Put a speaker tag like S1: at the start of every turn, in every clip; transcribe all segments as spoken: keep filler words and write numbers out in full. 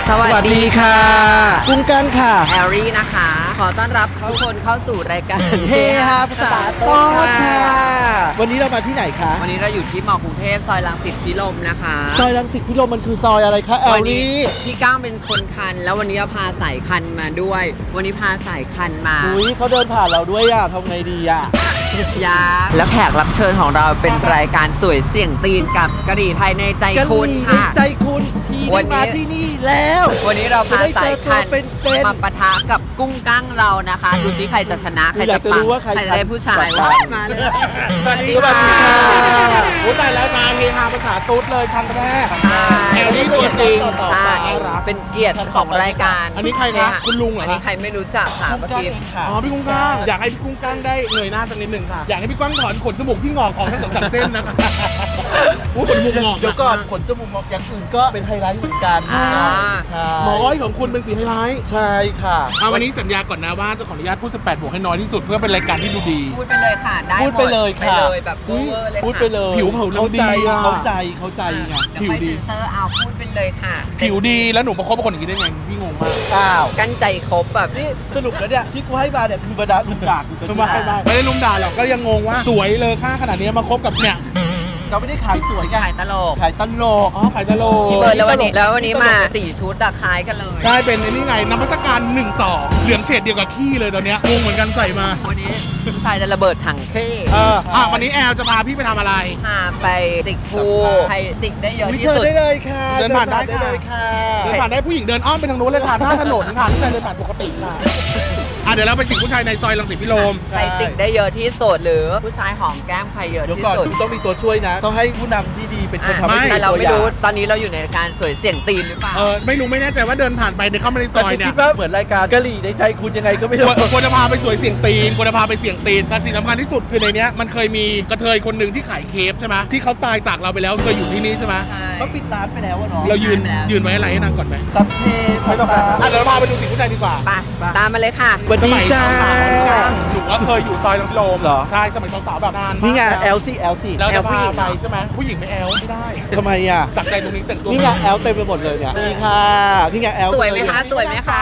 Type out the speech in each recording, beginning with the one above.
S1: สวัสดีค่ะ
S2: กุ้งกันค่ะ
S1: แอรี่นะคะขอต้อนรับทุกคนเข้าสู่รายการ
S2: เฮฮาภาษาโต๊ดค่ะวันนี้เรามาที่ไหนคะ
S1: วันนี้เราอยู่ที่มอกรุงเทพซอยรังสิตพิรมนะคะ
S2: ซอยรังสิตพิรมมันคือซอยอะไรคะแอรี่
S1: พี่ก้างเป็นคนคันแล้ววันนี้พาสายคันมาด้วยวันนี้พาสายคันมา
S2: อุ้ยเขาเดินผ่านเราด้วยอ่ะทำไงดีอ่ะ
S1: ยาแล้วแขกรับเชิญของเราเป็นรายการสวยเสี่ยงตีนกับกะหรี่ไทยในใจคุณค่ะ
S2: ใจคุณทีได้มาที่นี่แล้ว
S1: วันนี้เราพาสายคันมาปะทะกับกุ้งกั้งเรานะคะดูซิใครจะชนะใครจะปังใครจะได้ผู้ชายมาเลย
S2: สวัสดีค่ะพูดได้แล้วมาเฮฮาภาษาตุ๊ดเลยครั้งแรกแอลลี่ตัวจริง
S1: เป็นเกียรติของรายการ
S2: อันนี้ใครคะคุณลุงเหรอ
S1: อันนี้ใครไม่รู้จักค่ะเมื่อกี้
S2: อ๋อพี่กุ้งกั้งอยากให้พี่กุ้งกั้งได้เงยหน้าสักนิดหนึ่งค่ะอยากให้พี่กุ้งถอนขนจมูกที่งอกออกทั้งสองสามเส้นนะคะโอ้ขนจมูกงอกเดี๋ยวก่อนขนจมูกงอกอย่างอื่นก็เป็นไฮไลท์เหมือนกันหมออ้อยของคุณเป็นสีไฮไลท์ใช่ค่ะวันนี้สัญญาก่อนนะว่าจะขออนุญาตพูดสิบแปดบวกให้น้อยที่สุดเพื่อเป็นรายการที่ดูดี
S1: พูดไปเลยค่ะได้
S2: พูดไปเลยค่ะ
S1: แบบเวอร์เลย
S2: พูดไปเลยผิวเผาเข้าใจเข้าใจเข้าใจไง
S1: ผิวดีเซอร์เอาพูดไปเลยค่ะ
S2: ผิวดีแล้วหนูมาคบกับคนอย่างนี้ได้ไงพี่งงมากอ้าว
S1: กั้นใจคบแบบ
S2: นี่สรุปแล้วเนี่ยที่กูให้มาเนี่ยคือบรรดาลุมด่าไม่ไม่ได้ลุมด่าหรอกก็ยังงงว่าสวยเลยค่าขนาดนี้มาคบกับเนี่ยเราไม่ได้ขายสวยกัน
S1: ขายตลก
S2: ขายตลกอ๋อขายตลก
S1: พี่เบิร์ดแล้ววันนี้แล้ววันนี้มาสี่ชุดราคายกันเลย
S2: ใช่เป็นนี่ไงน้ำพัสการหนึ่งสองเหลืองเฉดเดียวกับขี้เลยตอนนี้งงเหมือนกันใส่มา
S1: วันนี้ชายจะระเบิดถังขี้
S2: เอออ่ะวันนี้แอลจะพาพี่ไปทำอะไร
S1: พาไปจิกภูใครจิกได้เยอะที่สุด
S2: ได้เลยค่ะเดินผ่านได้เลยค่ะเดินผ่านได้ผู้หญิงเดินอ้อมไปทางนู้นเลยค่ะท่าถนนค่ะผู้ชายเดินผ่านปกติค่ะอ่ะเดี๋ยวเราไปจิกผู้ชายในซอยรังสิตพิรม
S1: ใครจิกได้เยอะที่สุดหรือผู้ชายหอมแก้มใครเยอะที่สุด
S2: ต้องมีตัวช่วยนะต้องให้ผู้นำที่ดีเป็นคนทำให้
S1: แต่เราไม่รู้ตอนนี้เราอยู่ในการสวยเสี่ยงตีนหรือเปล่า
S2: เออไม่รู้ไม่แน่ใจว่าเดินผ่านไปในเข้ามาในซอยเนี่ยคิดว่าเหมือนรายการกะหรี่ในใจคุณยังไงก็ไม่รู้ควรจะพาไปสวยเสี่ยงตีนควรจะพาไปเสี่ยงตีนแต่สิ่งสำคัญที่สุดคือในนี้มันเคยมีกระเทยคนหนึ่งที่ขายเคฟใช่ไหมที่เขาตายจากเราไปแล้วเคยอยู่ที่นี่ใช่ไหม
S1: เขาปิดร้านไปแล้วเนาะ
S2: เรายืนยืนไว้อะไรให้นางก่อนไหม
S1: ซับเพ
S2: ไม่ต้องอ่ะเดี๋ยวเราพาไปดูสิ่งผู้ชายดีกว่า
S1: ไปตามมาเลยค่ะ
S2: สวัสดีจ้าหนูว่าเคยอยู่ซอยรังสิตพิรมเหรอใช่สมัยสาวๆแบบนานนี่ไง แอล ซี แอล ซี เราจะพาไปใช่ไหมผู้หญิงไม่แอลไม่ได้ทำไมอ่ะจับใจตรงนี้แต่งตัวนี่ไงแอลเต็มไปหมดเลยเนี่ยนี่ค่ะนี่ไงแอล
S1: สวยไหมคะสวยไหมคะ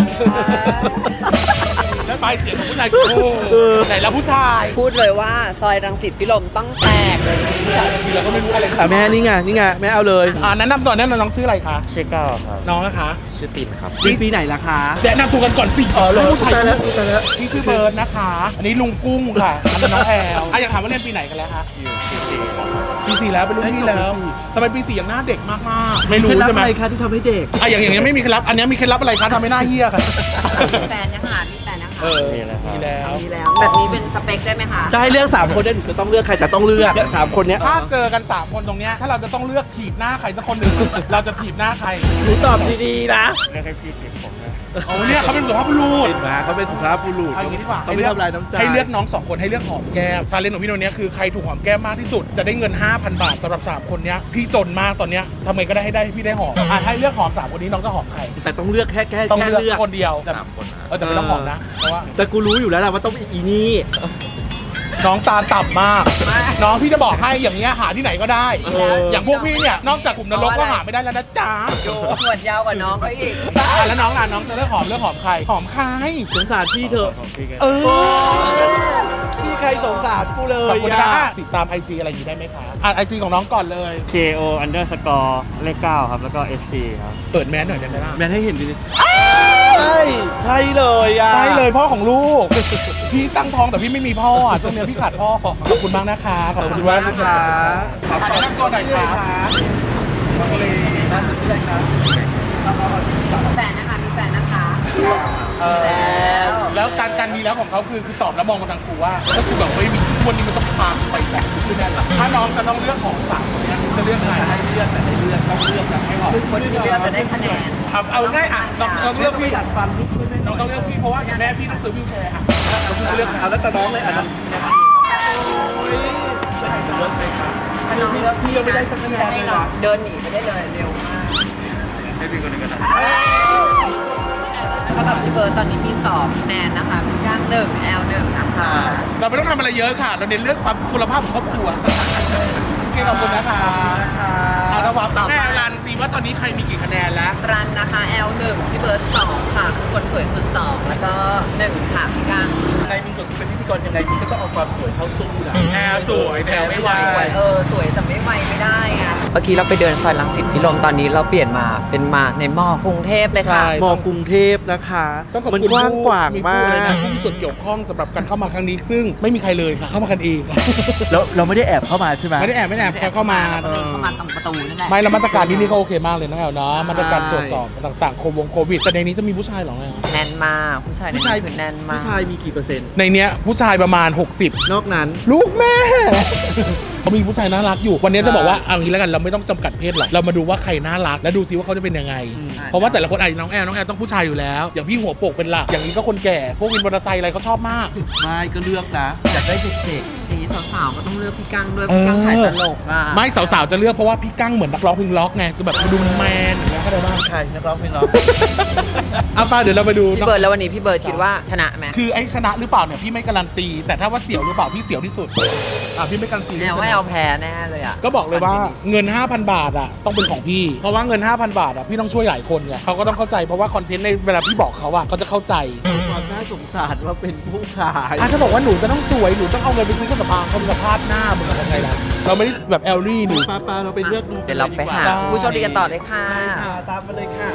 S2: แล้วปลายเสียงของผู้ชายไหนแล้วผู้ชาย
S1: พูดเลยว่าซอยรังสิตพิรมต้องแตกเลยผู้ชาย
S2: ทีเราก็ไม่รู้อะไรค่ะแม่นี่ไงนี่ไงแม่เอาเลยอ่าแนะนำตัวแนะนำน้องชื่ออะไรคะ
S3: ชื่อก้าวครับ
S2: น้องนะคะ
S3: ชื่อตินครับ
S2: ปีปีไหนล่ะคะแนะนำตัวกันก่อนสิเออผู้ชายแล้วพี่ชื่อเบิร์ดนะคะอันนี้ลุงกุ้งค่ะอันนี้น้องแอลอ่ะอยากถามว่าเรียนปีไหนกันแล้วคะ
S3: อยู่ปีสี่
S2: ปีสี่แล้วเป็นรุ่นพี่แล้วทำไมปีสี่ยังหน้าเด็กมากมากไม่รู้ใช่ไหม
S3: อะไรคะที่ทำให้เด็ก
S2: อ่ะอย่างอย่างนี้ไม่มีเคล็ดลับอันนี้มีเคล็ดลับอะไรคะทำให้หน้าเหี้ยค่ะ
S1: แฟนยังหามีแฟนนะคะ
S2: เออมีแล้วมีแล้ว
S1: มีแล้วแบบนี้เป็นสเปคได้ไหมคะ
S2: จะให้เลือกสามคนได้หนูจะต้องเลือกใครแต่ต้องเลือกสามคนเนี้ยถ้าเจอกันสามคนตรงเนี้ยถ้าเราจะต้องเลือกถีบหน้าใครสักคนหนึ่งเราจะถีบหน้าใครหนูตอบดีๆนะ
S3: เลือกให้พี่ถีบผมนะ
S2: โอ้เนี่ยเขาเป็นสุภาพบุรุษ
S3: มาเขาเป็นสุภาพบุรุษ
S2: เอาอย่างนี้ดีกว่า
S3: เขาไม่ทำลายน้ำใจ
S2: ให้เลือกน้องสองคนให้เลือกหอมแก้มชาเลนจ์ของพี่โนเนี้ยคือใครถูกหอมแก้มมากที่สุดจะได้เงิน ห้าพัน บาทสำหรับสามคนเนี้ยพี่จนมากตอนเนี้ยทำไงก็ได้ให้ได้พี่ได้หอมอ่ะให้เลือกหอมสามคนนี้น้องจะหอมใคร
S3: แต่ต้องเลือกแค่แค่
S2: ต้องเลือกคนเดียว
S3: สามคน
S2: เออแต่ไม่ต้องหอมนะเพราะว่า
S3: แต่กูรู้อยู่แล้วแหละว่าต้องเป็นอีนี่
S2: น้องตาต่ำมากน้องพี่จะบอกให้อย่างเงี้ยหาที่ไหนก็ได้อย่างพวกพี่เนี่ยนอกจากกลุ่มนรกก็หาไม่ได้แล้วนะจ๊ะ
S1: ดูขวดยาวกว่าน้องเขาอีก
S2: แล้วน้องล่ะน้องจะเลือกหอมเลือกหอมใครหอมใคร
S3: สงสารพี่เถอะ
S2: เออ
S3: พี่ใครสงสารกูเลย
S2: ขอบคุณค่ะติดตาม ไอ จี อะไรอยู่ได้ไหมคะอ่าน ไอ จี ของน้องก่อนเลย
S3: เค โอ underscore เลขเก้าครับแล้วก็ เอส ซี ครับ
S2: เปิดแมสหน่อยได้ไหมล่ะ
S3: แมสให้เห็นดิใช่ใช่เลยอ่ะ
S2: ใช่เลยพ่อของลูกพี่ตั้งท้องแต่พี่ไม่มีพ่ออ่ะช่วงนี้พี่ขาดพ่อขอบคุณมากนะคะขอบคุณมากนะคะขอบคุณตัวหน่อยค่ะมาเลยบ้านชื่ออะไรคะ
S1: แฟนนะคะมีแฟนนะคะ
S2: แล้วแล้วการการมีแล้วของเขาคือคือตอบแล้วมองมาทางครูว่าถ้าครูแบบไม่มีวันนี้มันต้องพาไปแบบคือแน่นถ้าน้องจะต้องเลือกของสามคนนี้จะเลือกใครให้เลือกแต่ให้เลือกต้องเลือกแบบให้หอม
S1: คนที่เลือกจะได้คะแนน
S2: ครับเอาง่ายอ่ะน้องต้องเลือกพี่น้องต้องเลือกพี่เพราะว่าแม่พี่ต้องซื้อวิวแชร์อ่ะเลือกเอาแล้วแต่น้องเลยอ่ะ
S1: ถ้าน้องเลือกพี่นะพี่จะให้น้องเดินหนีไปได้เลยเร็วมาก
S3: ให้พี่คนนึงก็ได้
S1: สำหรับพี่เบิร์ดตอนนี้มีสองคะแนนนะคะพี่ก้างหนึ่งแอลหนึ่งนะคะ
S2: เราไม่ต้องทำอะไรเยอะค่ะเราเน้นเรื่องความคุณภาพของครอบครัวโอเคขอบคุณนะคะแล้ววับต่อแม่รันซีว่าตอนนี้ใครมีกี่คะแนนแล้ว
S1: รันนะคะ แอล หนึ่ง พี่เบิร์ดสองค่ะคนสวยสุดสองแล้วก็หนึ่งค่ะพี่กัง
S2: ใครมีจุดเป็นพิธีกรยังไงคุณก็ต้องเอาความสวยเข้าสู้นะแอลสวยแอลไม่ไหว
S1: เออสวยแต่ไม่ไหวไม่ได้อะเมื่อกี้เราไปเดินซอยรังสิตพิรมตอนนี้เราเปลี่ยนมาเป็นมาในมอกรุงเทพเลยค่ะ
S2: มอกรุงเทพนะคะต้องขอบคุณกว้างกว้างมากนะผู้มีส่วนเกี่ยวข้องสำหรับการเข้ามาครั้งนี้ซึ่งไม่มีใครเลยค่ะเข้ามากันเอง
S4: แล้วเราไม่ได้แอบเข้ามาใช่ไหม
S2: ไม่ได้แอบไม่ได้แอบเข้ามา
S1: เข้ามาตรงประตูนั่นแหละ
S2: ไม่แล้วมาตรการที่นี่ก็โอเคมากเลยนะแอลเนาะมาตรการตรวจสอบต่างๆโควงโควิดแต่ในนี้จะมีผู้ชายหรอไง
S1: แน่นมากผู้ชายผู้ชายคือแน่นมาก
S4: ผู้ชายมีกี่เปอร์เซ็นต์
S2: ในเนี้ยผู้ชายประมาณหกสิบ
S4: นอกนั้น
S2: ลูกแม่เขามีผู้ชายน่ารักอยู่วันนี้จะบอกว่าเอางี้แล้วกันเราไม่ต้องจำกัดเพศหรอกเรามาดูว่าใครน่ารักแล้วดูซิว่าเขาจะเป็นยังไงเพราะว่าแต่ละคนไอ้น้องแอลน้องแอลต้องผู้ชายอยู่แล้วอย่างพี่หัวโปกเป็นหลักอย่างนี้ก็คนแก่พวกวินมอเตอร์ไซค์อะไรเขาชอบมาก
S4: ไม่ก็เลือกนะอยากได้เด็ก
S1: ๆอย่างนี้สาวๆก็ต้องเลือกพี่กั้งด้วยพี่กั้งถ่ายตลกอ่ะ
S2: ไม่สาวๆจะเลือกเพราะว่าพี่กั้งเหมือนนักร้องเพลงล็อกไงจะแบบดูแมนอย่างเงี้ยเข้าใจบ้าง
S4: ใช่นักร้องเพลงล็อก
S2: เอาป้าเดี๋ยวเราไปดู
S1: พี่เบิร์ดแล้ววันนี้พี่เบิร์ดคิดว่าชนะไหม
S2: คือไอ้ชนะหรือเปล่าเนี่ยพี่ไม่การันตีแต่ถ้าว่าเสี่ยวหรือเปล่าพี่เสี่ยวที่สุดอ่ะพี่ไม่การันตี
S1: แน่ว่าเอาแพ้แน่เลยอ่ะ
S2: ก็บอกเลยว่าเงิน ห้าพัน บาทอ่ะต้องเป็นของพี่เพราะว่าเงิน ห้าพัน บาทอ่ะพี่ต้องช่วยหลายคนไงเขาก็ต้องเข้าใจเพราะว่าคอนเทนต์ในเวลาพี่บอกเขาอ่ะเขาจะเข้าใจ
S4: ความน่าสงสารว่าเป็นผู้ขาย
S2: อ่ะถ้าบอกว่าหนูจะต้องสวยหนูต้องเอาเงินไปซื้อกระสอบเขาเป็นสภาพหน้ามึงยังไงล่ะเราไม่ได้แบบแอลลี่หนู
S4: ป้าป้าเราไปเลือกดู
S1: เดี๋ยวเราไปหาผู้โชคดีกันต่อเลยค่ะ
S4: ใช่ค่ะตามมาเลยค่ะ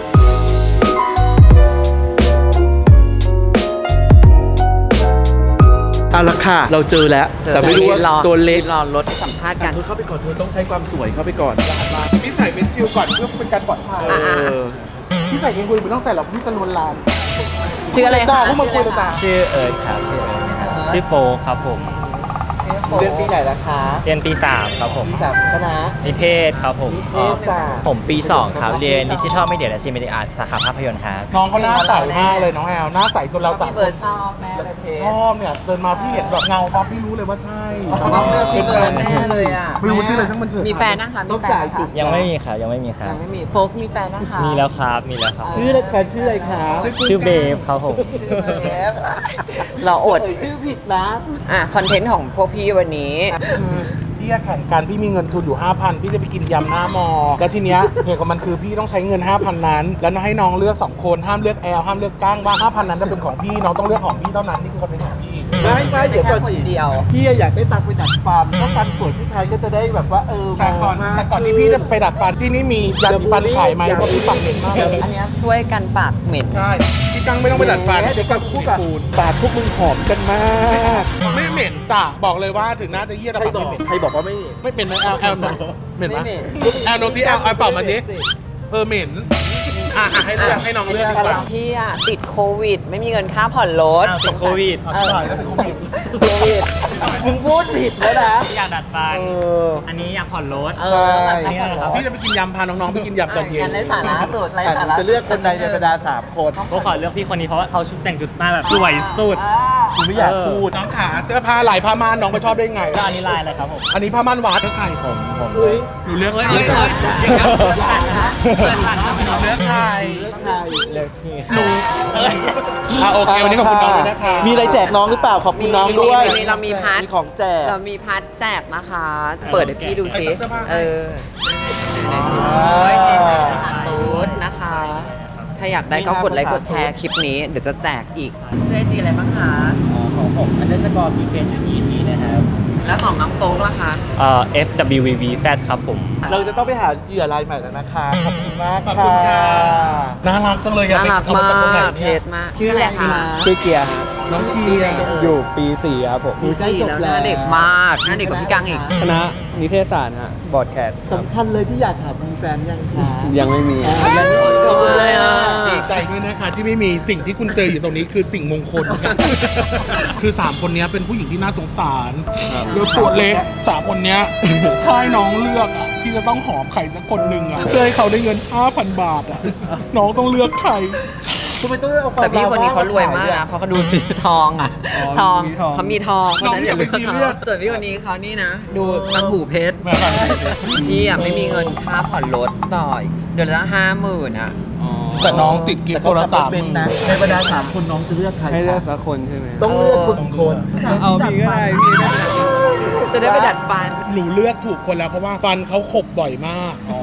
S4: เอาละค่ะเราเจอแล้วแต่ไม่รู้ว่าตัวเล็ก
S1: รอรถสัมภาษณ์กัน
S4: เธอเข้าไปก่อนเธอต้องใช้ความสวยเข้าไปก่อน
S2: พี่ใส่เป็นชิลก่อนเพื่อเป็นการปลอดภัยพี่ใส่เองคุณไม่ต้องใส่หรอกพี่จะลวนลาม
S1: ชื่ออะไรคะ
S2: พวกมาคุยกันจ้า
S3: ชื่อเอิร์ธครับชื่อเอิร์ธชื่อโฟครับผม
S4: เรียนปีไหนล่ะคะ
S3: เรียนปีสามครับผม
S4: ปีสามคณะ
S3: นิเทศครับผม
S4: นิเทศศาสตร์
S3: ผมปีสองครับเรียนดิจิทัลมีเดียและซีมีเดียอาร์ตสาขาภาพยนตร์ครับ
S2: น้องเขาหน้าใสมากเลยน้องแอลหน้าใสจนเราสาม
S1: คนชอบแม่เลยเพ
S2: ชอบเนี่ยเดินมาพี่เห็นแบบเงาปั๊บพี่รู้เลยว่าใช่
S1: ต้องเลือกพี่เบิร์ดแน่เลยอ่ะ
S2: ไม่รู้ชื่ออะไรทั้งมันเถอะ
S1: มีแฟนนะคะมีแฟน
S3: ยังไม่มีครับยังไม่มีครับ
S1: ยังไม่มีโฟกมีแฟนนะคะ
S3: มีแล้วครับมีแล้วครับ
S4: ชื่ออะไรแฟนชื่ออะไรคะ
S3: ชื่อเบฟครับผม
S1: เราอด
S4: ชื่อผิดนะ
S1: อ่ะคอนเทนต์ของพวกพี่วันนี้
S2: พี่แข่งกันพี่มีเงินทุนอยู่ ห้าพัน พี่จะไปกินยำหน้ามอแล้วทีเนี้ยเหตุของมันคือพี่ต้องใช้เงิน ห้าพัน นั้นแล้วให้น้องเลือกสองคนห้ามเลือกแอลห้ามเลือกก้างว่า ห้าพัน นั้นจะเป็นของพี่น้องต้องเลือกของพี่เท่านั้นนี่คือคอนเทนต์ของพี่
S4: ไม่ไม่เดี๋ยวก่อนสิพี่อยากได้ตังค์ไปดัดฟันถ้าฟันสวยผู้ชายก็จะได้แบบว่าเออ
S2: แต่ก่อนแต่ก่อนที่พี่จะไปดัดฟันที่นี่มียาสีฟันขายไหมเพราะพี่ปากเหม็นมาก
S1: อันนี้ช่วยกันปากเหม็น
S2: ใช่พี่กังไม่ต้องไปดัดฟัน
S4: เดี๋ยวกับคู่กับปากพวกมึงหอมกันมาก
S2: ไม่เหม็นจ้ะบอกเลยว่าถึงน่าจะเยี่ยแต่ปากไม่เหม็น
S4: ใครบอกว่าไม่
S2: ไม่เป็นนะแอลแอลเหม็นปะแอลโนซีแอลแอลเป่ามาดิเออเหม็นอ่ะให้เลือกให้น้องเลือกดีกว่า
S1: พี่อ่ะติดโควิดไม่มีเงินค่าผ่อนรถ
S3: ติดโควิด
S2: เออติดโควิด
S1: โควิด
S4: มึงพูดผิดแล้วนะ
S3: อยากดัดฟันอันนี้อยากผ่อนรถ
S1: ใช่
S2: พี่จะไปกินยำพาน้องๆไปกินยำตอนเย็น
S1: กันไร้สาระสุดไร้สาระ
S4: จะเลือกคนใดในบรรดาสามคน
S3: ก็ขอเลือกพี่คนนี้เพราะว่าเขาชุดแต่งจุดมาแบบสวยสุด
S4: คุณไม่อยากพูด
S2: น้องขาเสื้อผ้าลายผ้าม่านน้องไปชอบได้ไง
S3: ก็อันนี้ลายอะไรครับผม
S2: อันนี้ผ้าม่านวัดเลือกใคร
S3: ผมผม
S2: หนูเลือกเลยหนูเลือกใคร
S4: เลือกพี่
S2: หนูอ่ะโอเควันนี้ขอบคุณน้องด้วยนะคะ
S4: มีอะไรแจกน้องหรือเปล่าขอบคุณน้องด้วย
S1: เรามีพาร์ท
S4: ของแจก
S1: เรามีพาร์ทแจกนะคะเปิดให้พี่ดูซิเออโอ้ยเทสสารตูดนะคะถ้าอยากได้ก็กดไลค์กดแชร์คลิปนี้เดี๋ยวจะแจกอีกเสื้อจีอะไรบ้างคะ
S3: ของผมอันเดอร์สกอร์พีเคจุดอีทีนะครับ
S1: แล้วของน้องโป๊กล่ะคะ
S3: เอ่อ เอฟ ดับเบิลยู วี วี แซด ครับผม
S4: เราจะต้องไปหาเหยื่อรายใหม่แล้วนะคะขอบคุณมากค่ะ
S2: น่ารักจังเลย
S1: น่ารักมากเพจมากชื่ออะไรคะ
S4: ชื่อเกียร์
S2: น้องเกียร์
S4: อยู่ปีสี่ครับผม
S1: ปีสี่แล้วน่าเด็กมากน่าเด็กกว่าพี่กังอีก
S4: คณะนิเทศศาสตร์ฮะบอร์ดแคสสำคัญเลยที่อยากถามมีแฟนยังคะยังไม่มี
S1: ยังไม่มีเลยอ่ะ
S2: ดีใจด้วยนะคะที่ไม่มีสิ่งที่คุณเจออยู่ตรงนี้คือสิ่งมงคลคือสามคนนี้เป็นผู้หญิงที่น่าสงสารแล้วตัวเล็กสามคนนี้ถ้าให้น้องเลือกอ่ะที่จะต้องหอมใครสักคนหนึ่งอ่ะเพื่อให้เขาได้เงิน ห้าพัน บาทอ่ะน้องต้องเลือกใคร
S1: แต่พี่คนนี้เขารวยมากนะเพราะเขาดูสีทองอ่ะทองเขามีทองเพราะฉะนั้นอย่าไปซีเรียสส่วนพี่คนนี้เขานี่นะดูตังหูเพชรพี่อ่ะไม่มีเงินค่าผ่อนรถต่อเดือนละห้าหมื่นอ่ะ
S2: แต่น้องติดกิฟต์โทรศัพท์
S4: ในบรรดาสามคนน้องจะเลือกใคร
S3: ให้เลือกสักคนใช่ไหม
S4: ต้องเลือกคนคน
S3: เอาพี่ก็ได้พี่
S1: จะได้ไปดัดฟัน
S2: หนูเลือกถูกคนแล้วเพราะว่าฟันเขาขบบ่อยมาก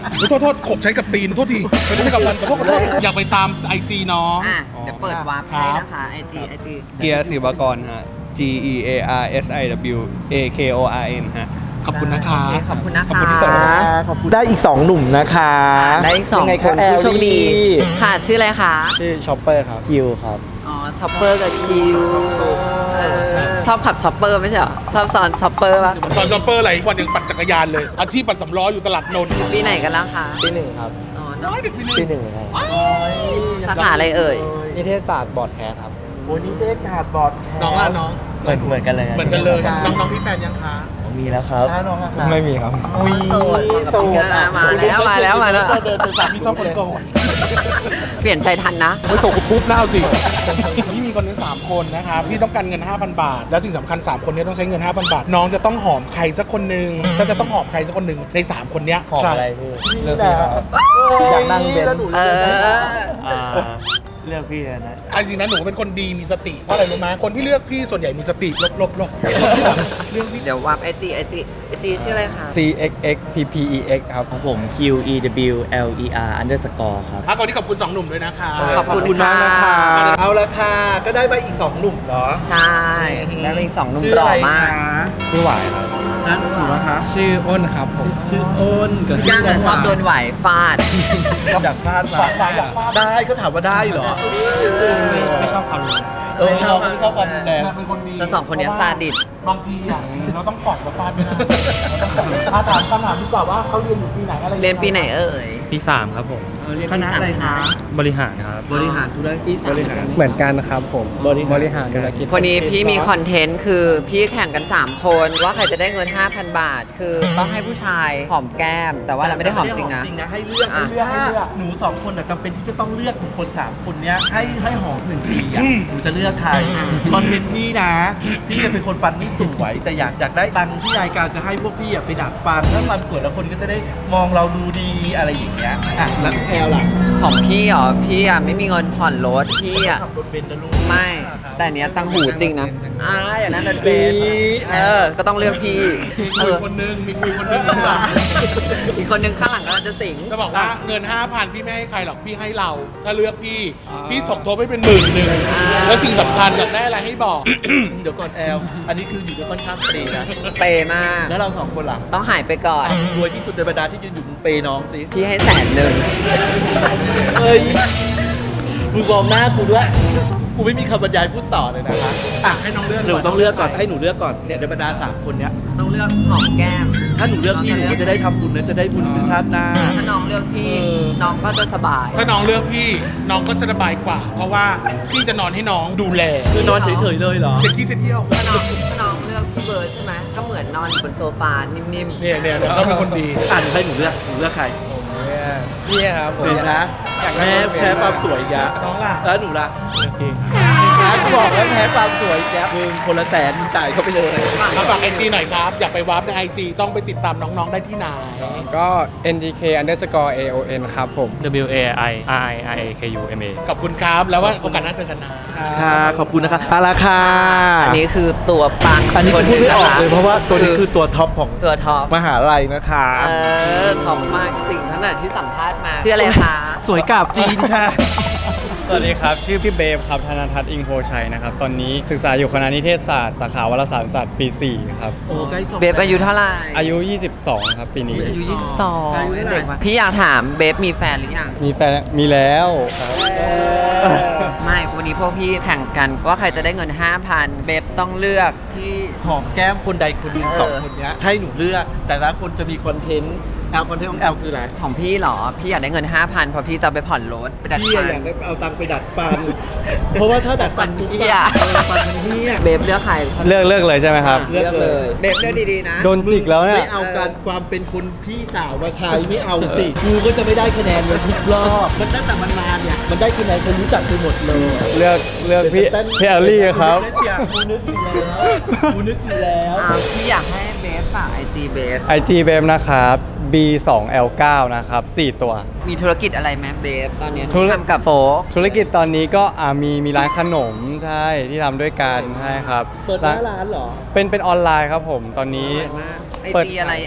S2: โทษโทษขบใช้กับตีนโทษทีไม่ได้ใช้กับฟันขอโทษขอโทษอยากไปตามไอจีน้อง
S1: อ่ะเดี๋ยวเปิดวาร์ปให้นะคะไอจีไอจี
S5: เกียร์ศิวากรฮะ G E A R S I W A K O R N ฮะ
S2: ขอบคุณนะคะ
S1: โอเคขอบคุณนะคะ
S2: ขอบคุณที่ส่ง
S4: ขอบคุณได้อีกสองหนุ่มนะคะ
S1: ได้อีกสอง
S4: ยัไ
S1: คนผู้โชคดี
S4: แอลลี่
S1: ค่ะชื่ออะไรคะ
S5: ชื่อชอปเปอร์ครับ คิวครับ
S1: อ๋อช็อปเปอร์กับคิวเออชอบขับช็อปเปอร์ไม่ใช่เหรอชอบสอนช็อปเปอร์ป่ะ
S2: สอนจอมเปอร์อะไรวันยังปั่นจักรยานเลย อาชีพปั่นสำล้ออยู่ตลาดนนท์
S1: ปีไหนกันแล้วคะ
S5: ปีหนึ่งครับ
S1: อ๋อ
S2: น้อยเด็กปีหนึง
S5: ปีหนึ่งครับ
S1: สาขาอะไรเอ่ย
S5: นิเทศศาสตร์บอร์ดแคสครับ
S4: โอ้ยนี่เจ๊ขาดบอดแคส
S2: น้องอ่ะน้อง
S5: เหมือนเหมือนกันเลย
S2: เหมือนกันเลย น้องน้องพี่แฟนยังคะ
S5: มีแล้วครับ
S4: น้องอะค่ะ
S5: ไม่มีครับ
S4: อุ้ย
S1: โสดโสดมาแล้วมาแล้วมาแล้ว
S2: เดินไปสามพี่ชอบคนโสด
S1: เปลี่ยนใจทันนะ
S2: ไม่โสดกูทุบหน้าเอาสิพี่มีคนนี้สามคนนะคะพี่ต้องการเงิน ห้าพัน บาท แล้วสิ่งสำคัญสามคนนี้ต้องใช้เงิน ห้าพัน บาท น้องจะต้องหอมใครสักคนหนึ่งถ้าจะต้องหอมใครสักคนหนึ่งในสามคนเนี้ย
S5: หอม
S2: ใค
S5: อะไรพี่ เลือก
S4: แต่
S5: พี่ครับ
S4: อยากนั่งเบนซ์
S1: เออ
S5: อ่า เลือกพี่นะ
S2: อันจริงนะหนูเป็นคนดีมีสติเพราะอะไรรู้ไหมคนที่เลือกพี่ส่วนใหญ่มีสติลบลบลบเรื่องพี่
S1: เดี๋ยววาร์ปไอจีไอจีไอจีชื่ออะไรคะ
S5: C X X P P E X ครับของผม Q E W L E R underscore ครับ
S2: อ่ะก่อนที่ขอบคุณสองหนุ่มด้วยนะคะ
S1: ขอบคุณ
S4: มากนะคะ
S1: ค่ะ
S4: เอาละค่ะ ก็ได้มาอีกสองหนุ่มเนาะ
S1: ใช่แล้วมีสองหนุ่ม
S4: ชื่อ
S1: หล่
S4: อะ
S1: อ
S4: ไร
S1: มาก
S4: คะ
S5: ชื่อหวายครับ
S4: นั่นหนูนะคะ
S5: ชื่ออ้นครับผม
S4: ชื่ออ้นกับ
S1: พี่ก้างเนี่ยชอบโดนไหวฟาด
S4: อยากฟาดมาได้ก็ถามว่าได้เหรอ
S5: ไม่ชอบความรุนแรง
S4: เออเราไม่ชอบความรุนแรง
S2: เป็นคนดี
S1: แต่สองคนเนี้ยซาดิส
S2: บางทีอ่ะเราต้องกอดกับฟาดไม่ได้อาถามคำถามดีกว่าว่าเขาเรียนอยู่ปีไหนอะไร
S1: เรียนปีไหนเอ่ย
S5: ปีสามครับผม
S1: เออเรียน
S4: ค
S1: ปี
S4: ณะ
S1: สาม
S4: อะไรคะ
S5: บริหารครับ
S4: บริหารธุรกิจ
S1: ปีสาม
S5: เหมือนกันครับผม
S4: บริหาร
S5: บริหารธุรกิจ
S1: วันนี้พี่มีคอนเทนต์คือพี่แข่งกัน 3 คน ว่าใครจะได้เงิน ห้าพัน บาท คือต้องให้ผู้ชายหอมแก้ม แต่ว่าเราไม่ได้หอมจริงนะ
S4: จริงนะให้เลือก
S1: อ่ะ
S4: ให้เลือกให้เลือกหนูสองคนน่ะจำเป็นที่จะต้องเลือกบุคคลสามคนเนี้ยให้ให้หอมหนึ่งทีอ่ะหนูจะเลือกใครคอนเทนต์พี่นะ พี่เป็นคนฟันไม่สวยแต่อยากอยากได้ตังค์ที่รายการจะให้พวกพี่อ่ะไปดัดฟันถ้าฟันสวยแล้วคนก็จะได้มองเราดูดีอะไรอย่างเงี้ยอ่ะแล้วแอลล่ะ
S1: ของพี่เหรอ พี่อ่ะไม่มีเงินผ่อนรถ พี่อ่ะ
S4: ขับรถเบนซ์นะลูก
S1: ไม่ แต่อันเนี้ยตังหูจริงนะอ่าอย่างนั้นเลยเป็นเออ ก็ต้องเลือกพี่
S2: มี
S1: เอ
S2: คุย
S1: อ
S2: คนนึงมีคุยคนนึงข้างหลัง
S1: อีกคนนึงข้างหลังก็จะสิง
S2: จะบอกว่าเงิน ห้าพัน พี่ไม่ให้ใครหรอกพี่ให้เรา ถ้าเลือกพี่ พี่สมทบให้เป็นหมื่นหนึ่งแล้วสิ่งสำคัญอยากได้อะไรให้บอก
S4: เดี๋ยวก่อนแอลอันนี้คืออยู่ด้วยค่อนข้างเปย์นะ
S1: เปย์มาก
S4: แล้วเราสองคนล่ะ
S1: ต้องหายไปก่อน
S4: รวยที่สุดในบรรดาที่ยืนอยู่มึงเปย์น้องสิ
S1: พี่ให้แสนหนึ่ง
S4: เฮ้ยมึงมองหน้ากูด้วยกูไม่มีคำบรรยายพูดต่อเลยนะคะอ่ะ
S2: ให้น้องเลือก
S4: หนูต้องเลือกก่อนให้หนูเลือกก่อนเนี่ยในบรรดาสามคนเนี้ย
S1: ต้องเลือกหอมแก้ม
S4: ถ้าหนูเลือกพี่หนูก็จะได้ทำบุญนะจะได้บุญเป็นชาติหน้า
S1: ถ้าน้องเลือกพี่
S4: เออ
S1: น้องก็จะสบาย
S2: ถ้าน้องเลือกพี่ น้องก็สบายกว่า เพราะว่าพี่จะนอนให้น้องดูแล
S4: คือนอนเฉยๆเลยเหรอ
S2: เช็คที่เที่ยว
S1: ถ้าน้องถ้าน้องเลือกพี่เบิร์ดใช่ไหมก็เหมือนนอนอยู่บนโซฟานิ่ม
S2: เนี่ยเนี่ยเนี่ยเขาเป็นคนดี
S4: อ่านให้หนูเลือกหนูเลือกใคร
S5: พี่ครับผม
S4: เห็นนะแพ้แพ้ความสวยอีกแล้ว
S2: น้องล่ะ
S4: แล้วหนูล่ะนะกูบอกแล้วแพ้ความสวยอีกแล้วมึงคนละแสนมึงจ่ายเขาไปเลย
S2: มาฝากไอจีหน่อยครับ อยากไปวาร์ปในไอจีต้องไปติดตามน้องๆได้ที่ไหน
S6: ก็ เอ็น ดี เค underscore เอ โอ เอ็น ครับผม
S3: W A I R I I A K U M A
S2: ขอบคุณครับ แล้วว่าโอกาสหน้าเจอกันนะ
S4: ค่ะขอบคุณนะคะเอาละค่ะ
S1: ๆ อันนี้คือตัวปัง
S4: อันนี้คือพูดไม่ออกเลยเพราะว่าตัวนี้คือตัวท็อปของ
S1: ตัวท็อป
S4: มหาลัยนะคะ
S1: เออท็อปมากจริงทั้งนั้นที่สัมภาษณ์มาคืออะไรคะ
S4: สวยกาบจีนค่ะ
S5: สวัสดีครับ ชื่อพี่เบฟครับธนทัศน์อิงโพชัยนะครับ ตอนนี้ศึกษาอยู่คณะนิเทศศาสตร์สาขาวารสารศาสตร์ปีสี่ครับ
S4: โอ้ใกล้จบ
S1: เบฟอายุเท่าไหร่
S5: อายุ ยี่สิบสอง ครับปีนี้
S1: อายุยี่สิบสอง
S4: อายุเท่าไหร่
S1: เด็กมากพี่อยากถามเบฟมีแฟนหรือยัง
S5: มีแฟนมีแล้วครับ
S1: ไม่วันนี้พวกพี่แข่งกันว่าใครจะได้เงิน ห้าพัน เบฟต้องเลือกที่
S4: หอมแก้มคนใดคนหนึ่ง
S1: เออ
S4: สองคนเนี้ยให้หนูเลือก แต่ละคนจะมีคอนเทนต์แอลคอนเทนต์ของแอลคืออะไร
S1: ของพี่เหรอ พี่อยากได้เงิน ห้าพันเพราะพี่จะเอาไปผ่อนรถไปดัด
S4: พี่
S1: ฟัน
S4: อยากได้เอาตังค์ไปดัดฟัน เพราะว่าถ้าดัดฟันปุ๊บ
S1: ฟันเหี้ย
S4: เออฟันมันเหี้ย
S1: เบฟเลือกใคร
S5: เลือกเลือกเลยใช่ไหมครับ
S4: เลือกเลย
S1: เบฟเลือกดีๆนะ
S5: โดนจิกแล้วเนี่ย
S4: ไม่เอาการความเป็นคนพี่สาวมาใช้ไม่เอาสิกูก็จะไม่ได้คะแนนเลยทุกรอบมันตั้งแต่มันมาเนี่ยมันได้คะแนนคนรู้จักไปหมดเลย
S5: เลือกเลือกพี่พี่แอลลี่ครับ
S4: กูนึกอยู่แล้วกูนึกอยู่แล้ว
S1: อ่าพี่อยากให้เบฟฝากไอจีเบฟ
S5: ไอ จี เบฟนะครับ บี สอง แอล เก้า นะครับ สี่ ตัว
S1: มีธุรกิจอะไรไหมเบฟตอนนี้
S5: ธุร
S1: ที่ทำกับโฟก
S5: ธุรกิจตอนนี้ก็อ่ามีมีร้านขนมใช่ที่ทำด้วยกันใช่ครับ
S4: เปิดหน้าร้านเหรอ
S5: เป็นเป็นออนไลน์ครับผมตอนนี้
S1: อร่อยมากไอ
S5: เปิด
S1: จีอะไรเอ่ย
S5: เบ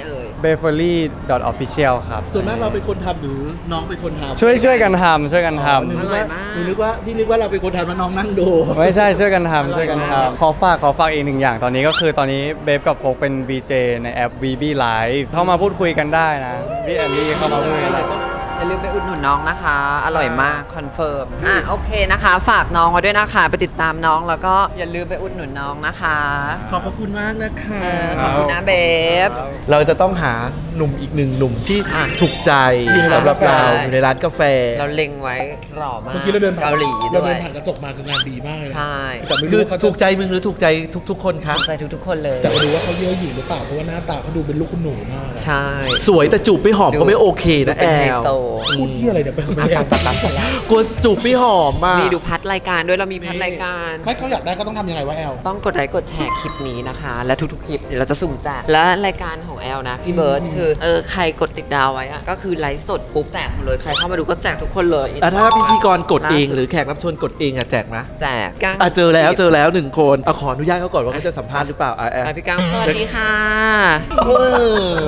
S5: b e f e r l y o f f i c i a l ครับ
S4: ส่วนมากเราเป็นคนทำหรือน้องเป็นคนทำ
S5: ช่วยช่วยกันทำช่วยกันท
S4: หนูนึกว่าหนูนึกว่าพี่นึกว่าเราเป็นคนทำแล้วน้องนั่งดู
S5: ำไม่ใช่ช่วยกันทำช่วยกันทำขอฝากขอฝากอีกหนึ่งอย่างตอนนี้ก็คือตอนนี้เบฟกับโฟกเป็น วี เจ ในแอป วี บี Live เข้ามาพูดคุยกันได้นะพี่แอนดี้เข้ามาพูดคุยกันได้
S1: อย่าลืมไปอุดหนุนน้องนะคะ อร่อยมากคอนเฟิร์มอ่ะโอเคนะคะ ฝากน้องไว้ด้วยนะคะ ไปติดตามน้องแล้วก็อย่าลืมไปอุดหนุนน้องนะคะ
S4: ขอบพระคุณมากนะคะ
S1: เออขอบคุณนะเบฟ
S4: เราจะต้องหาหนุ่มอีกหนึ่งหนุ่มที่
S1: อ่ะ
S4: ถูกใจสำหรับเรา
S1: ใช่
S4: อยู่ในร้านกาแฟ
S1: เราเล็งไว้หล่อมาก
S2: เมื่อกี้เราเดินผ่าน
S1: เกาหลี
S2: เรา
S1: ด้ว
S2: เดิ
S1: ย
S2: นผ่านกระจกมาคืองานดีมากเลยนะ
S1: ใช่
S2: แต่ไม่
S4: คื
S2: รู้
S4: อ
S2: ว่าเขาจะ
S4: ถูกใจมึงหรือถูกใจทุก ๆ คนครับ
S1: ใจทุกๆคนเลย
S2: แต่ไม่รู้ว่าเขาเยอะหยิ่งหรือเปล่าเพราะว่าหน้าตาเขาดูเป็นลูกคุณหนูมากอะ
S1: ใช่
S4: สวยแต่จูบไม่หอมก็ไม่โอเคนะแอ
S1: เป็นไฮ
S4: ล
S1: โซ
S2: พูดที่อะไรเดี๋ยวไปเขาไม่อยากตัดตัดสาระ
S4: กลัวจูบไม่หอมมาก
S1: มีดูพัดรายการด้วยเรามีพัดรายการ
S2: ไม่เขาอยากได้ก็ต้องทำยังไงวะแอล
S1: ต้องกดไลค์กดแชร์คลิปนี้นะคะ และทุกๆคลิปเดี๋ยวเราจะสุ่มแจกและรายการของแอลนะ พี่เบิร์ดคือเออใครกดติดดาวไว้อะก็คือไลฟ์สดปุ๊บแจกหมดเลยใครเข้ามาดูก็แจกทุกคนเลย
S4: อ่ะถ้าพิธีกรกดเอง
S1: ล่าสุด
S4: หรือแขกรับเชิญกดเองอะแจกไหม
S1: แจกกั้ง
S4: อ่ะเจอแล้วเจอแล้วหนึ่งคนเอาขออนุญาตเขาก่อนว่าเขาจะสัมภาษณ์หรือเปล่าอ่ะแอล
S1: ไปพี่กังสวัสดีค่ะ
S4: เออ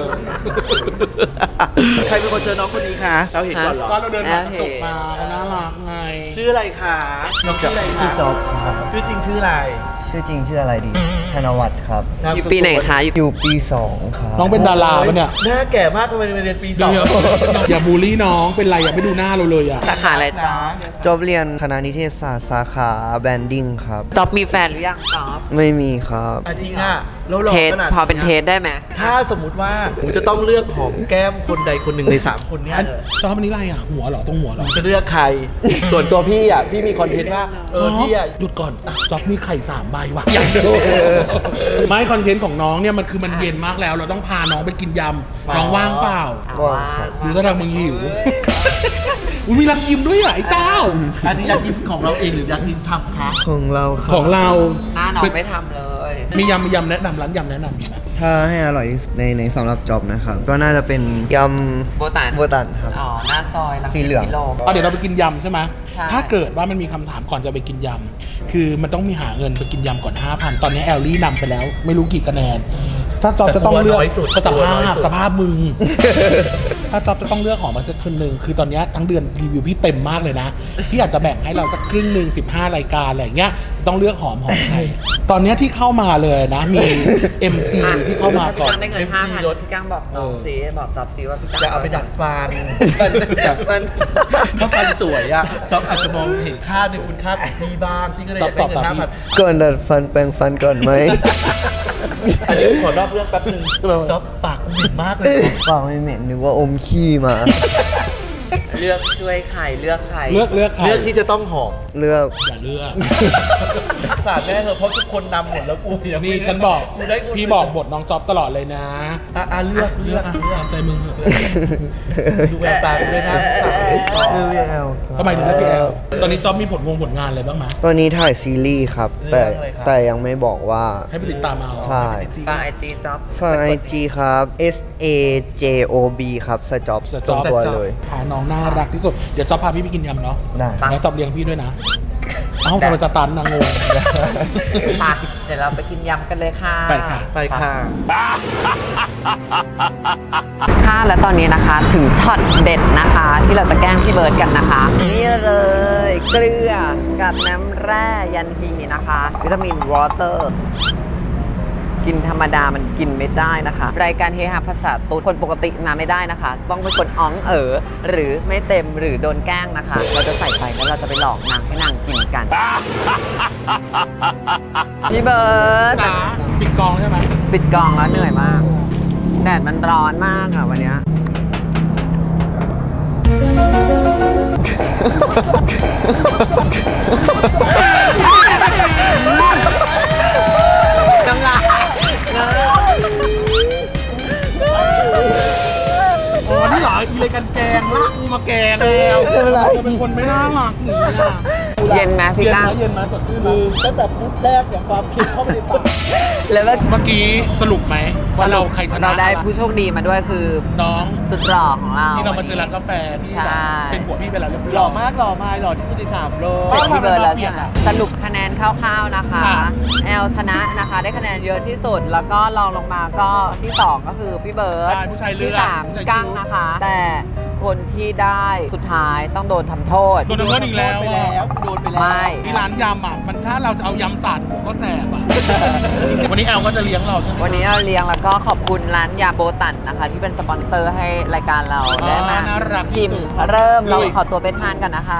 S4: ใครเป็นคนเจอน้องคนนี้คะเราเห็นก่อนเหรอ
S2: ก็เราเดินผ่านกระจกมาเขาน่ารักไง
S4: ชื่ออะไรคะน้องชื่ออะไรคะ
S7: ชื่อจ๊อบครับ
S4: ชื่อจริงชื่ออะไร
S7: ชื่อจริงชื่ออะไรดี ธนวัฒน์ครับ
S4: าม
S1: อยู่
S4: สกุล
S1: ปีไหนคะอยู่
S7: อยู่ปีสองครับ
S2: น้องเป็นดาราปะเนี่ย
S4: หน้าแก่มากทำไมมาเรียนปีส
S2: เดี๋
S4: อย ง
S2: วๆอย่าบูลลี่น้องเป็นไรอย่าไม่ดูหน้าเราเลยอ่ะ
S1: สาขาอะไรจ๊อบ
S7: จอบเรียนคณะนิเทศศาสตร์สาขาแบรนดิ้งครับ
S1: จ๊อบมีแฟนหรือยังจ๊อบ
S7: ไม่มีครับ
S4: อ่ะจริงอ่ะแล้วหล่อ
S1: เทส
S4: ขนาด
S1: พอเป็นเทสได้ไหม
S4: ถ้าสมมุติว่าหนูจะต้องเลือกหอมแก้มคนใดคนหนึ่งในสามคนเนี้ย
S2: อันจอมันนี้ไรอ่ะหัวเหรอตรงหัวเหรอ
S4: จะเลือกใคร ส่วนตัวพี่อ่ะพี่มีคอนเทนต์ว่าเออพี่อ่ะ
S2: หยุดก่อนจ๊อบมีไข่สามใบว่ะอยากดูไม่คอนเทนต์ของน้องเนี่ยมันคือมันเย็นมากแล้ว เราต้องพาน้องไปกินยำน้องว่างเปล่า
S7: ว่างครับ
S2: หรือถ้าทางมึงหิวอุ้ยมีรักยิ้มด้วยอ่ะไอ้เต้า
S4: อันนี้อยากกินของเราเองหรืออยากกินทำคะ
S7: ของเราครับ
S2: ของเรา
S1: หน้าน้องไม่ทำเลย
S2: มียำมียำแนะนำร้านยำแนะนำ
S7: ถ้าให้อร่อยที่สุดในในสำหรับจอบนะครับ ก็น่าจะเป็นยำ
S1: โบตัน
S7: โบตันครับ
S1: อ๋อหน้าซอยรั
S7: สีเหลือง
S1: กิโล
S2: เอาเดี๋ยวเราไปกินยำใช่ไหม
S1: ใช่
S2: ถ้าเกิดว่ามันมีคำถามก่อนจะไปกินยำ คือมันต้องมีหาเงินไปกินยำก่อน ห้าพัน ตอนนี้แอลลี่นำไปแล้ว ไม่รู้กี่คะแนน ถ้าจอบจะต้องเลือกสภาพสภาพมึง ถ้าจอบจะต้องเลือกหอมมาสักคนหนึ่งคือตอนนี้ทั้งเดือนรีวิวพี่เต็มมากเลยนะ พี่อาจจะแบ่งให้เราสักครึ่งหนึ่งสิบห้ารายการอะไรอย่างเงี้ย ต้องเลือกหอมหอมใครตอนนี้ที่เข้ามาเลยนะ มี เอ็ม จี
S1: อ่ะ
S2: ที่เข้ามาก่อน
S1: พี่กังได้เงิน
S4: เอ็ม
S1: ห้า
S4: จี
S1: พัน
S4: ลด
S1: พี่กังบอกน้องซีบอกจ๊อบซีว่าพี่กัง
S4: จะเอาไปดัดฟันมันถ้าฟันสวยอ่ะจ๊อบอาจจะมองเห็นค่าในคุณค่าของพี่บ้างพี่ก็เลยอยากได้เงินห้าพัน
S7: ก่อนดัดฟันแปรงฟันก่อนไหม
S4: อันนี้ขอนอกเรื่องแป๊บนึงจ๊อบปากกูเหม็นมากเลย
S7: เปล่าไม่เหม็นนึกว่าอมขี้มา
S1: เลือกช่วยใครเลือกใคร
S2: เลือกเลือกใคร
S4: เรื่องที่จะต้องหอม
S7: เลือก
S2: อย่าเลือก
S4: สาดแม่เธอะเพราะทุกคนนำหมดแล้วกูยัง
S2: นี่
S4: ไม่ได้
S2: ฉันบอก
S4: กูได้กู
S2: พี่บอกบทน้องจ๊อบตลอดเลยนะ
S4: อ่ะอ่ะเลือกเลือก
S2: อ่ะ
S4: เลือก
S2: ตามใจมึงเถอะ
S4: ดูแววตากูด้วยนะสาด
S7: เลือกพี่แอลครับ
S2: ทำไมถึงเลือกพี่แอลตอนนี้จ๊อบมีผลวงผลงานอะไรบ้างไหม
S7: ตอนนี้ถ่ายซีรีส์ครับ แต่แต่ยังไม่บอกว่า
S2: ให้ไปติดตามเอา
S7: ใช่
S1: ฝากไอจีจ๊อบ
S7: ฝากไอจีครับ S A J O B ครับสจ็อบ
S2: ส
S7: ต
S2: จ๊
S7: ร
S2: อง บ
S7: ตัวเลย
S2: ขาน้องน่ารักที่สุด เดี๋ยวจ๊อบพาพี่ไปกินยำเนาะ
S7: ได้
S2: แล้วจ๊อบเลี้ยงพี่ด้วยนะ เอ้าทำไมสตันนางงง
S1: ค่ะเดี๋ยวเราไปกินยำกันเลยค่ะ
S2: ไปค่ะ
S4: ไปค่ะ
S1: ค่ะและตอนนี้นะคะถึงช็อตเด็ดนะคะ ที่เราจะแกล้งพี่เบิร์ดกันนะคะ นี่เลยเกลือกับน้ำแร่ยันฮีนะคะ วิตามินวอเตอร์ กินธรรมดามันกินไม่ได้นะคะ รายการเฮฮาภาษาตูดคนปกติมาไม่ได้นะคะ ต้องเป็นคนอ้องเอ๋อหรือไม่เต็มหรือโดนแกล้งนะคะ เราจะใส่ไปแล้วเราจะไปหลอกนางให้นางกินกัน พี่เบิร์ด
S2: จ๋าปิดกองใช่ไหม
S1: ปิดกองแล้วเหนื่อยมาก แดดมันร้อนมากอะวันเนี้ยน้ำลาย
S2: อ๋อนี่เหรออีเลยกันแกงลากกูมาแกงแล้ว
S7: ไม่เป็นไร
S2: จะเป็นคนไม่น่ารักหนีอ่ะกู
S1: เย็นไหมพี่
S2: เย็น
S1: ก้า
S2: ไหม
S1: ง
S2: เย็นไหมสดชื่นไหม
S4: คือตั้งแต่พูดแรกอย่างความคิดเข้าไปในปาก
S1: แล้วก็
S2: เมื่อกี้สรุปไหมว่าเราใครชนะ
S1: เราได้ผู้โชคดีมาด้วยคือ
S2: น้อง
S1: สุดหล่อของเรา
S2: ที่เรามาเจอร้านกาแฟที่
S1: ใช่
S2: เป็นผัวพี่ไปแล้วเรียบร้อย
S4: หล่อมากหล่อมาหล่อที่สุดในสามโลก
S1: เสร็จพี่เบิร์ดแล้วใช่ไหม
S2: เปลี่ยนอะ
S1: สรุปคะแนนคร่าวๆนะคะ
S2: ค่ะ
S1: แอลชนะนะคะ ได้คะแนนเยอะที่สุด แล้วก็รองลงมาก็ที่สองก็คือพี่เบิร์ด
S2: ใช่ผู้ชายเลื
S1: ที่
S2: อก
S1: สาม
S2: ผู้ชาย
S1: กั้งนะคะ แต่คนที่ได้สุดท้ายต้องโดนทำโทษ
S2: โดนทำโทษอีกแล้ว
S4: ไปแล้วโดนไปแล้ว
S1: ไม่
S2: ที่ร้านยำอ่ะมันถ้าเราจะเอายำสาดหัวก็แสบอ่ะ วันนี้แอลก็จะเลี้ยงเราใช่ไหม
S1: วันนี้เราเลี้ยงแล้วก็ขอบคุณร้านยาโบตันนะคะ ที่เป็นสปอนเซอร์ให้รายการเรา
S2: อ๋อ
S1: ได้มา
S2: น่ารัก
S1: ชิม
S2: ที่สุด
S1: เริ่มเรา
S2: ลุย
S1: ขอตัวไปทานกันนะคะ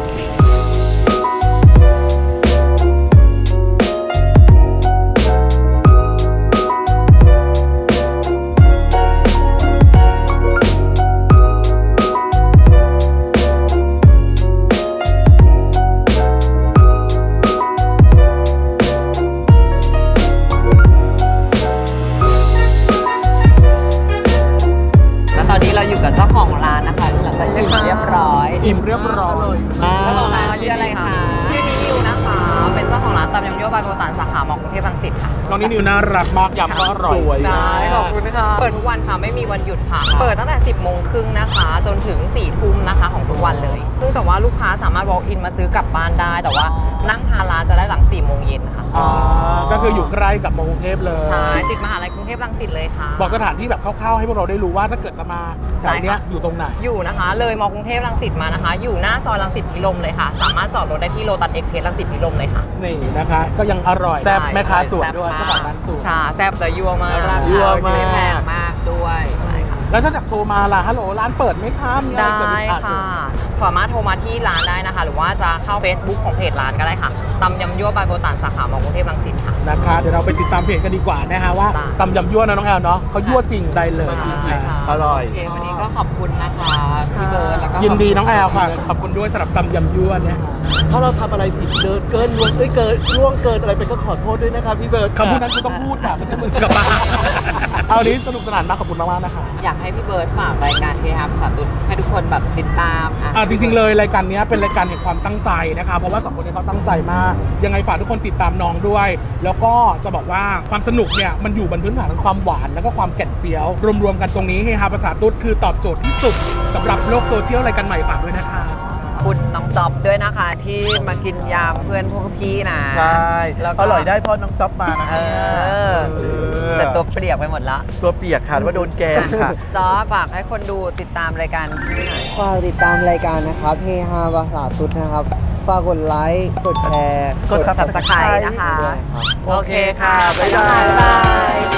S1: แล้วตอนนี้เราอยู่กับเจ้าของร้านนะคะหลังจากอิ่มเรียบร้อย
S2: อิ่มเรียบร้อย
S1: เจ้าของร้านชื่ออะไรคะ
S8: ชื่อนิวนะคะ เป็นเจ้าของร้านตำยำยั่วบายโบตันสาขามอกรุงเทพรังสิตค่ะ
S2: น้องนี่นิวน่ารักมากยำก็อร่อย
S4: สวย
S8: ได้ขอบคุณค่ะ เปิดทุกวันค่ะ ไม่มีวันหยุดค่ะ เปิดตั้งแต่ สิบโมงครึ่งนะคะ จนถึง สี่ทุ่มนะคะของทุกวันเลย ซึ่งแต่ว่าลูกค้าสามารถ walk in มาซื้อกลับบ้านได้ แต่ว่านั่งทานร้านจะได้หลัง สี่โมงเย็นค่ะ
S2: อ่าก็คืออยู่ใกล้กับมอกรุงเทพเลย
S8: ใช่ ติดมหาลัยกรุงเทพรังสิตเลยค่ะ
S2: บอกสถานที่แบบคร่าวๆให้พวกเราได้รู้ว่าถ้าเกิดจะมาแถวเนี้ย
S8: ได้ค่ะ
S2: อยู่ตรงไหน
S8: อยู่นะคะ เลยมอกรุงเทพรังสิตมานะคะ อยู่หน้าซอยรังสิตพิรมเลยค่ะ สามารถจอดรถได้ที่โลตัสเอ็กเพสรังสิตพิรมเลยค่ะ
S2: นี่นะคะ ก็ยังอร่อยแซ่บแม่ค้าสวยด้วยเจ้าของร้านสวย
S8: ค่ะแซ่บแต่ยั่วมาก
S1: รา
S2: ยั่ว
S1: คาม
S2: าก
S1: ไม่แพงมากด้วย
S8: ใช่ค่ะ
S2: แล้วถ้าจากโทรมาล่ะฮัลโหลร้านเปิดไหมคะมีอะไร
S8: ได้
S2: เกิดขึ้นอ่
S8: ค่ะ สามารถโทรมาที่ร้านได้นะคะ หรือว่าจะเข้า Facebook ของเพจร้านก็ได้ค่ะตำยำยั่วบายโบตันสาขามอกรุงเทพรังสิตค่ะ
S2: นะคะเดี๋ยวเราไปติดตามเพจกันดีกว่านะฮะว่า
S8: ได้
S2: ตำยำยั่วนะน้องแอลเนาะเขายั่วจริงได้เลย
S8: ได้ค่ะ
S4: อร่อย
S1: โอเค วันนี้ก็ขอบคุณนะคะพี่เบิร์ดแล้วก็
S2: ยินดีน้องแอลค่ะ
S1: ข
S2: ข
S1: อ
S2: อ
S1: บบ
S2: คุณด้วยสำหรับตำยำยั่วเนี่ย
S4: ถ้าเราทำอะไรผิดเกินเกินล่วงเอ้ยเกินล่วงเกินอะไรไปก็ขอโทษด้วยนะครับพี่เบิร์ด
S2: คำพูดนั้นกูต้องพูดค่ะไม่ใช่มึงกลับมาเอาวันนี้สนุกสนานมากขอบคุณมากๆนะคะ
S1: อยากให้พี่เบิร์ดฝากรายการเฮฮาภาษาตุดให้ทุกคนแบบติดตามอ่ะ
S2: อ่าจริงๆเลยรายการเนี้ยเป็นรายการแห่งความตั้งใจนะคะเพราะว่าสองคนนี้เขาตั้งใจมากยังไงฝากทุกคนติดตามน้องด้วย แล้วก็จะบอกว่าความสนุกเนี่ยมันอยู่บนพื้นฐานของความหวานแล้วก็ความแก่นเฟี้ยวรวมๆกันตรงนี้เฮฮาภาษาตุ๊ดคือตอบโจทย์ที่สุดสำหรับโลกโซเชียลรายการใหม่ฝากด้วยนะคะ
S1: ขอบคุณน้องจ๊อบด้วยนะคะ ที่มากินยามเพื่อนพวกพี่นะ
S4: ใช่
S1: แล้วก็
S4: อร่อยได้เพราะน้องจ๊อบมานะ
S1: เออ แต่ตัวเปรียกไปหมดละ
S4: ตัวเปียกค่ะว่าโดนแกงค่ะ
S1: จ๊อบฝากให้คนดูติดตามรายการพี่หน่อย
S7: ฝากติดตามรายการนะครับเฮฮาภาษาตุ๊ดนะครับ ฝากกดไลค์ กดแชร์
S4: กด
S1: Subscribe นะคะ
S7: ด้วยครับ
S1: โอเคค่ะ
S4: บ๊ายบาย
S1: บ๊ายบาย